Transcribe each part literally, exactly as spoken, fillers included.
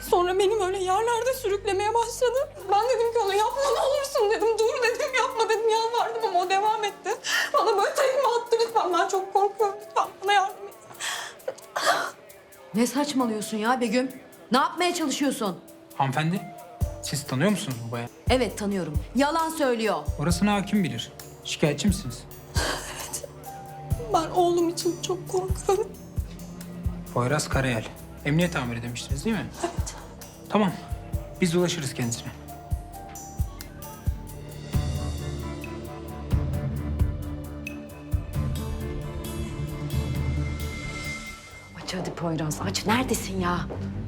Sonra benim öyle yerlerde sürüklemeye başladı. Ben dedim ki ona yapma ne olursun dedim. Dur dedim yapma dedim yalvardım ama o devam etti. Bana böyle tekme attı lütfen ben çok korkuyorum lütfen bana yardım et. Ne saçmalıyorsun ya Begüm? Ne yapmaya çalışıyorsun? Hanımefendi, siz tanıyor musunuz bu bayanı? Evet tanıyorum. Yalan söylüyor. Orasını hakim bilir. Şikayetçi misiniz? Ben oğlum için çok korkuyorum. Poyraz Karayel. Emniyet amiri demiştiniz değil mi? Evet. Tamam. Biz ulaşırız kendisine. Aç hadi Poyraz aç. Neredesin ya?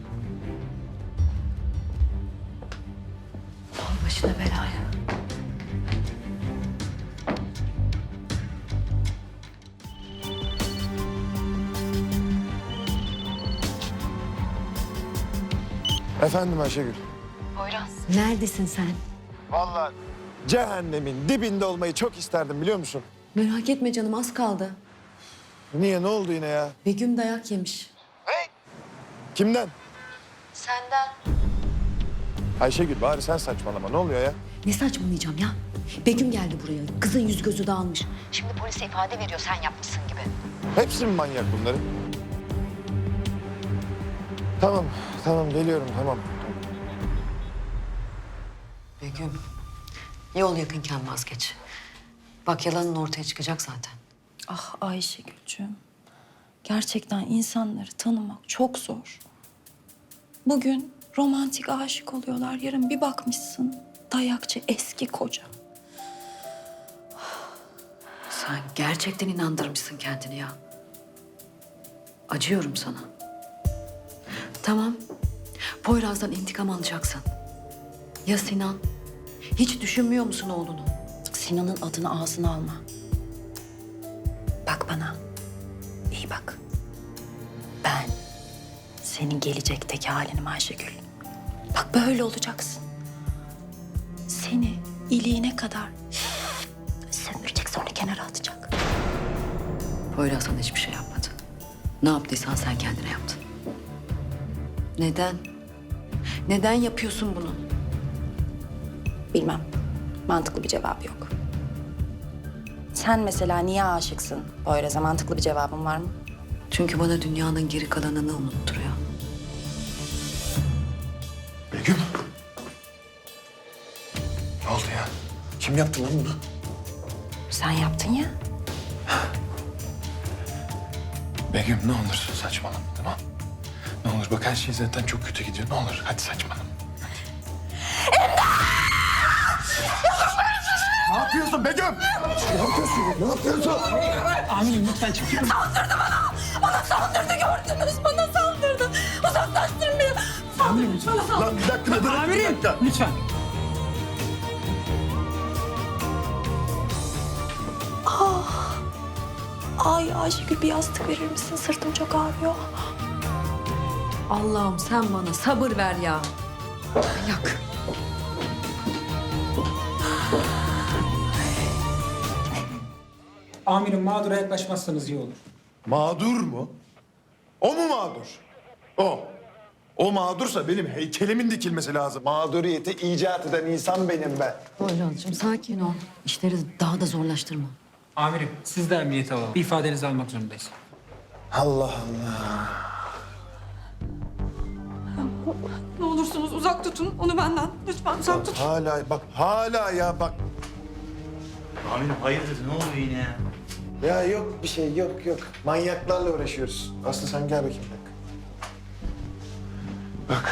Al başına belaya. Efendim Ayşegül. Neredesin sen? Vallahi cehennemin dibinde olmayı çok isterdim biliyor musun? Merak etme canım az kaldı. Niye ne oldu yine ya? Begüm dayak yemiş. Kimden? Senden. Ayşegül bari sen saçmalama ne oluyor ya? Ne saçmalayacağım ya? Begüm geldi buraya. Kızın yüz gözü dağılmış. Şimdi polise ifade veriyor sen yapmışsın gibi. Hepsi mi manyak bunların? Tamam tamam geliyorum tamam. Begüm, yol yakınken vazgeç. Bak yalanın ortaya çıkacak zaten. Ah Ayşegül'cüğüm. Gerçekten insanları tanımak çok zor. Bugün romantik aşık oluyorlar. Yarın bir bakmışsın dayakçı eski koca. Sen gerçekten inandırmışsın kendini ya. Acıyorum sana. Tamam, Poyraz'dan intikam alacaksın. Ya Sinan? Hiç düşünmüyor musun oğlunu? Sinan'ın adını ağzına alma. Bak bana. İyi bak. Ben senin gelecekteki halinim Ayşegül. Bak böyle olacaksın. Seni iliğine kadar sömürecek sonra kenara atacak. Poyraz sana hiçbir şey yapmadı. Ne yaptıysan sen kendine yaptın. Neden? Neden yapıyorsun bunu? Bilmem. Mantıklı bir cevabı yok. Sen mesela niye aşıksın? Poyraz'a mantıklı bir cevabın var mı? Çünkü bana dünyanın geri kalanını unutturuyor. Begüm. Ne oldu ya? Kim yaptı lan bunu? Sen yaptın ya. Begüm ne olursun saçmalama tamam. Ne olur bak her şey zaten çok kötü gidiyor. Ne olur hadi saçmalama. Ne yapıyorsun Begüm? Ne yapıyorsun? Ne yapıyorsun? Amirim lütfen çıkın. Bana saldırdı gördünüz. Bana saldırdı. Uzaklaştırın beni. Amirim lütfen. Lan bir dakika bir dakika. Bir dakika. Lütfen. Ay Ayşegül bir yastık verir misin? Sırtım çok ağrıyor. Allah'ım sen bana sabır ver ya. Manyak. Amirim mağdura yaklaşmazsanız iyi olur. Mağdur mu? O mu mağdur? O. O mağdursa benim heykelimin dikilmesi lazım. Mağduriyeti icat eden insan benim ben. Poyraz'cığım sakin ol. İşleri daha da zorlaştırma. Amirim siz de emniyete alalım. Bir ifadenizi almak zorundayız. Allah Allah. Ne olursunuz uzak tutun onu benden. Lütfen uzak tutun. Hala bak hala ya bak. Amirim hayırdır ne oluyor yine ya? Ya yok bir şey yok yok. Manyaklarla uğraşıyoruz. Aslı sen gel bakayım bak. Bak.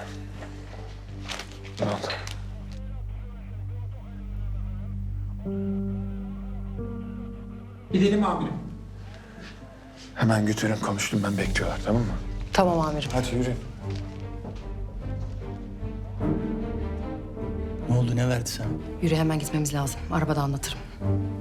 Ne oldu? Gidelim amirim. Hemen götürün konuştum ben bekliyorlar tamam mı? Tamam amirim. Hadi yürü. Ne oldu ne verdi sana? Yürü hemen gitmemiz lazım. Arabada anlatırım.